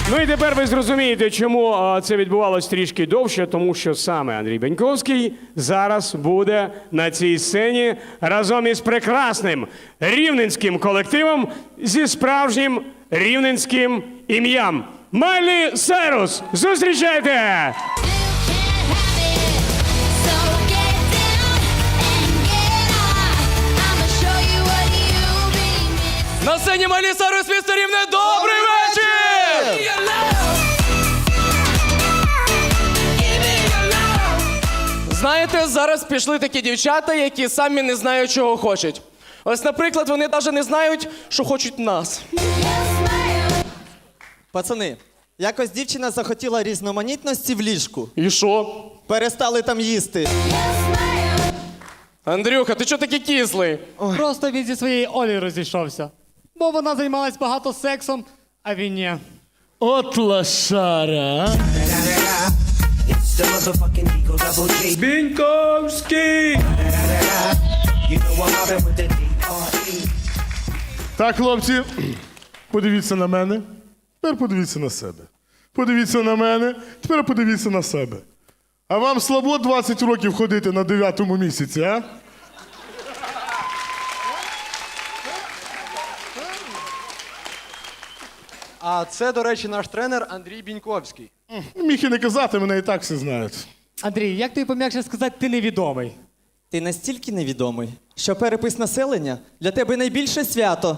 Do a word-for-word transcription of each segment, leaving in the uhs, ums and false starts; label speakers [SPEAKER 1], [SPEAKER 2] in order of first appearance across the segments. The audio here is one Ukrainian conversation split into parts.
[SPEAKER 1] Ну і тепер ви зрозумієте, чому а, це відбувалось трішки довше, тому що саме Андрій Беньковський зараз буде на цій сцені разом із прекрасним рівненським колективом зі справжнім рівненським ім'ям. Майлі Сайрус! Зустрічайте!
[SPEAKER 2] На сцені Майлі Сайрус, місто Рівне, добрий вечір! Знаєте, зараз пішли такі дівчата, які самі не знають, чого хочуть. Ось, наприклад, вони навіть не знають, що хочуть нас.
[SPEAKER 3] Пацани, якось дівчина захотіла різноманітності в ліжку.
[SPEAKER 2] І що?
[SPEAKER 3] Перестали там їсти.
[SPEAKER 2] Андрюха, ти чого такий кислий?
[SPEAKER 4] Просто він зі своєю Олею розійшовся. Бо вона займалась багато сексом, а він ні.
[SPEAKER 5] От лошара.
[SPEAKER 1] Беньковський!
[SPEAKER 5] Так, хлопці, подивіться на мене. Тепер подивіться на себе. Подивіться на мене, тепер подивіться на себе. А вам слабо двадцять років ходити на дев'ятому місяці, а?
[SPEAKER 6] А це, до речі, наш тренер Андрій Біньковський.
[SPEAKER 5] Міг і не казати, мене і так всі знають.
[SPEAKER 4] Андрій, як тобі пом'якше сказати, ти невідомий?
[SPEAKER 3] Ти настільки невідомий, що перепис населення для тебе найбільше свято.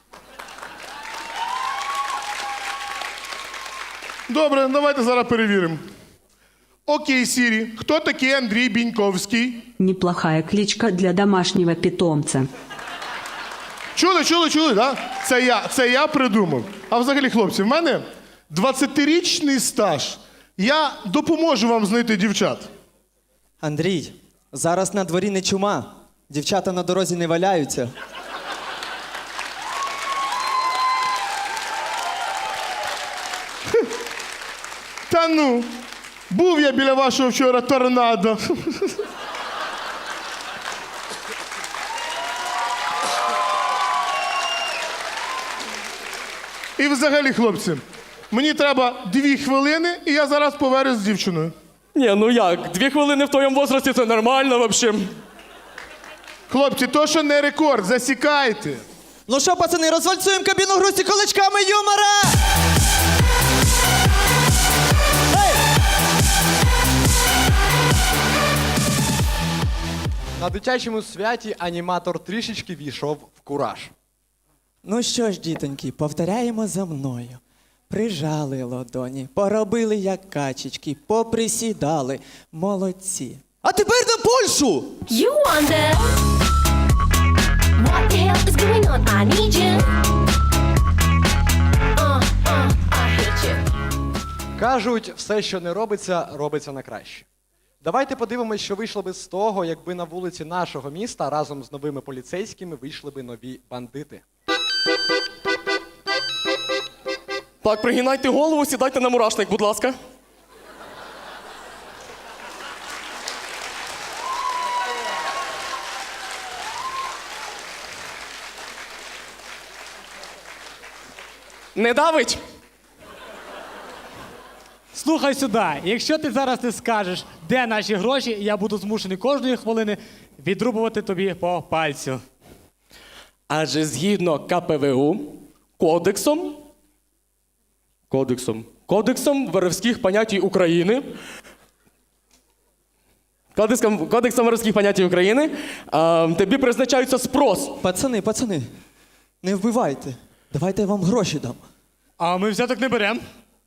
[SPEAKER 5] Добре, давайте зараз перевіримо. Окей, Сірі, хто такий Андрій Біньковський?
[SPEAKER 7] Неплохая кличка для домашнего питомца.
[SPEAKER 5] Чули, чули, чули, да? Це я, це я придумав. А взагалі, хлопці, в мене двадцятирічний стаж. Я допоможу вам знайти дівчат.
[SPEAKER 3] Андрій, зараз на дворі не чума. Дівчата на дорозі не валяються.
[SPEAKER 5] Та ну, був я біля вашого вчора торнадо. І взагалі, хлопці, мені треба дві хвилини, і я зараз повернусь з дівчиною.
[SPEAKER 2] Ні, ну як? Дві хвилини в твоєму возрасті – це нормально, взагалі.
[SPEAKER 5] Хлопці, то що не рекорд, засікайте.
[SPEAKER 3] Ну що, пацани, розвальцюємо кабіну грусті кулачками юмора!
[SPEAKER 6] На дитячому святі аніматор трішечки війшов в кураж.
[SPEAKER 3] Ну що ж, дітоньки, повторяємо за мною. Прижали ладоні, поробили як качечки, поприсідали. Молодці. А тепер на Польщу!
[SPEAKER 8] You wonder what the hell is going on? I need you. Uh, uh, I hate you.
[SPEAKER 6] Кажуть, все, що не робиться, робиться на краще. Давайте подивимось, що вийшло би з того, якби на вулиці нашого міста разом з новими поліцейськими вийшли би нові бандити.
[SPEAKER 2] Так, пригинайте голову, сідайте на мурашник, будь ласка. Не давить?
[SPEAKER 4] Слухай сюди, якщо ти зараз не скажеш, де наші гроші, я буду змушений кожної хвилини відрубувати тобі по пальцю.
[SPEAKER 2] Адже згідно ка пе ве у, кодексом, кодексом, кодексом воровських понятій України, кодексом, кодексом воровських понятій України, а, тобі призначається спрос.
[SPEAKER 3] Пацани, пацани, не вбивайте. Давайте я вам гроші дам.
[SPEAKER 4] А ми взяток не беремо.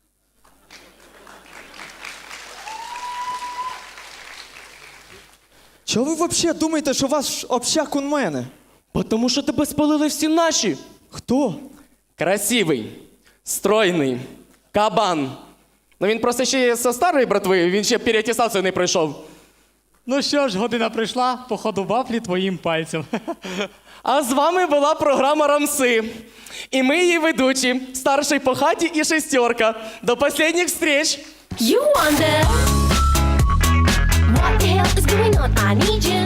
[SPEAKER 3] Чого ви взагалі думаєте, що ваш общак у мене?
[SPEAKER 2] Бо тому що тебе спалили всі наші.
[SPEAKER 3] Хто?
[SPEAKER 2] Красивий, стройний, кабан. Ну він просто ще є зі старої братви, він ще переатестацію не пройшов.
[SPEAKER 4] Ну що ж, година прийшла, походу вафлі твоїм пальцем.
[SPEAKER 2] А з вами була програма «Рамси». І ми її ведучі, старший по хаті і шестерка. До останніх встреч!
[SPEAKER 8] You wonder what the hell is going on? I need you.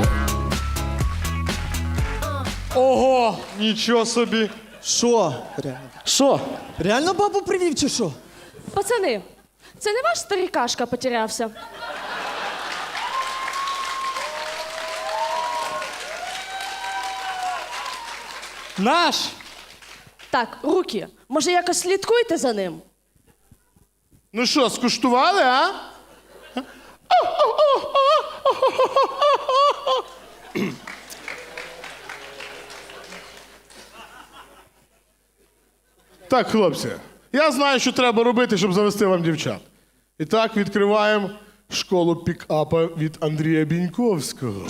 [SPEAKER 4] Ого!
[SPEAKER 6] Нічого собі!
[SPEAKER 3] Що? Реально.
[SPEAKER 2] Що?
[SPEAKER 3] Реально бабу привів чи що?
[SPEAKER 9] Пацани, це не ваш старикашка потерявся?
[SPEAKER 4] Наш!
[SPEAKER 9] Так, руки. Може, якось слідкуйте за ним?
[SPEAKER 5] Ну що, скуштували, а? Так, хлопці, я знаю, що треба робити, щоб завести вам дівчат. І так, відкриваємо школу пікапа від Андрія Біньковського.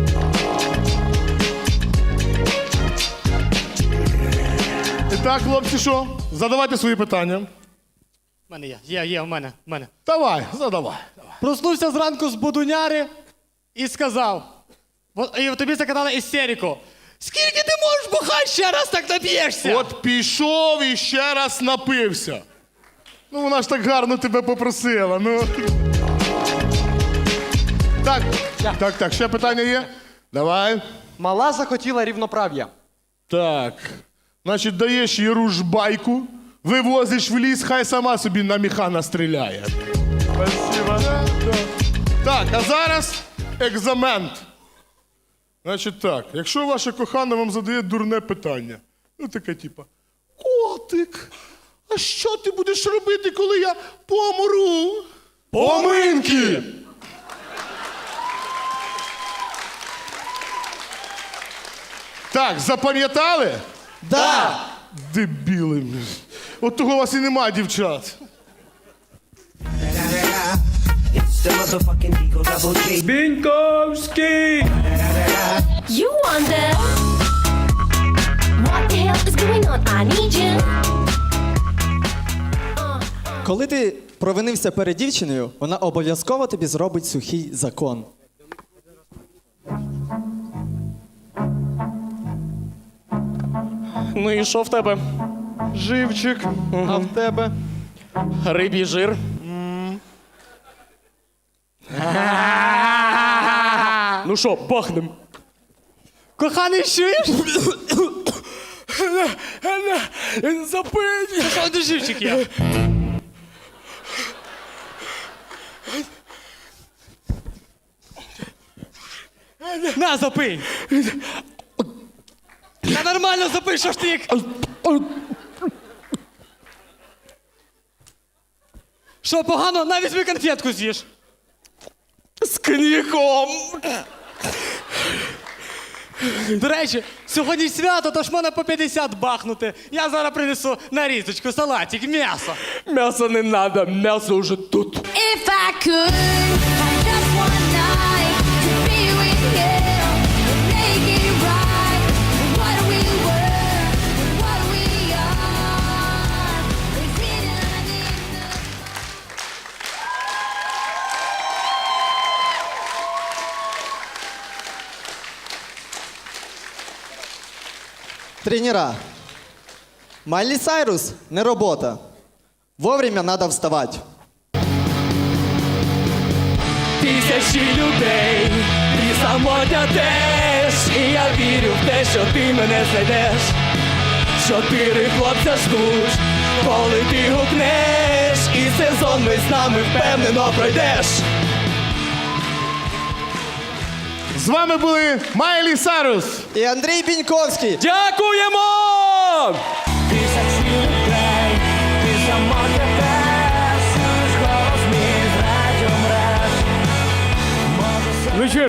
[SPEAKER 5] І так, хлопці, що? Задавайте свої питання.
[SPEAKER 4] У мене є, є, є, в мене, в мене.
[SPEAKER 5] Давай, задавай.
[SPEAKER 4] Проснувся зранку з будуняри і сказав. От- І тобі закатали істерику. Скільки ти можеш бухати, ще раз так нап'єшся?
[SPEAKER 5] От пішов і ще раз напився. Ну, вона ж так гарно тебе попросила. Ну. Так, так, так, ще питання є? Давай.
[SPEAKER 6] Мала захотіла рівноправ'я.
[SPEAKER 5] Так. Значить, даєш їй ружбайку, вивозиш в ліс, хай сама собі на міха настріляє. Спасибо. Да, да. Так, а зараз екзамент. Значить так, якщо ваша кохана вам задає дурне питання, ну таке типа, котик, а що ти будеш робити, коли я помру? Поминки! Так, запам'ятали?
[SPEAKER 3] Да!
[SPEAKER 5] Дебіли. От того у вас і нема, дівчат.
[SPEAKER 8] You wonder what the hell is going on? I need you.
[SPEAKER 3] Коли ти провинився перед дівчиною, вона обов'язково тобі зробить сухий закон.
[SPEAKER 2] Ну і що в тебе?
[SPEAKER 6] Живчик, а в тебе?
[SPEAKER 2] Рибій жир. Ну що, бахнем?
[SPEAKER 4] Коханий, чуєш?
[SPEAKER 2] Запить!
[SPEAKER 4] Що один живчик є? На, запий! Та нормально запий, що ж ти як... Що, погано? На, візьми конфетку з'їж.
[SPEAKER 2] З коньяком!
[SPEAKER 4] До речі, сьогодні свято, тож можна по п'ятдесят бахнути. Я зараз принесу нарізочку, салатик, м'ясо.
[SPEAKER 2] М'ясо не надо, м'ясо вже тут.
[SPEAKER 8] If I could have just one night to be with you, make it right. What we were, what we are, is hidden in the
[SPEAKER 3] Тренера. Майлі Сайрус – не робота. Вовремя надо вставати.
[SPEAKER 2] Тисячі людей, ти самотня теж. І я вірю в те, що ти мене знайдеш. Чотири хлопця ждуть, коли ти гукнеш. І сезон ми з нами впевнено пройдеш.
[SPEAKER 5] З вами були Майлі Сайрус.
[SPEAKER 3] І Андрій Біньковський.
[SPEAKER 2] Дякуємо!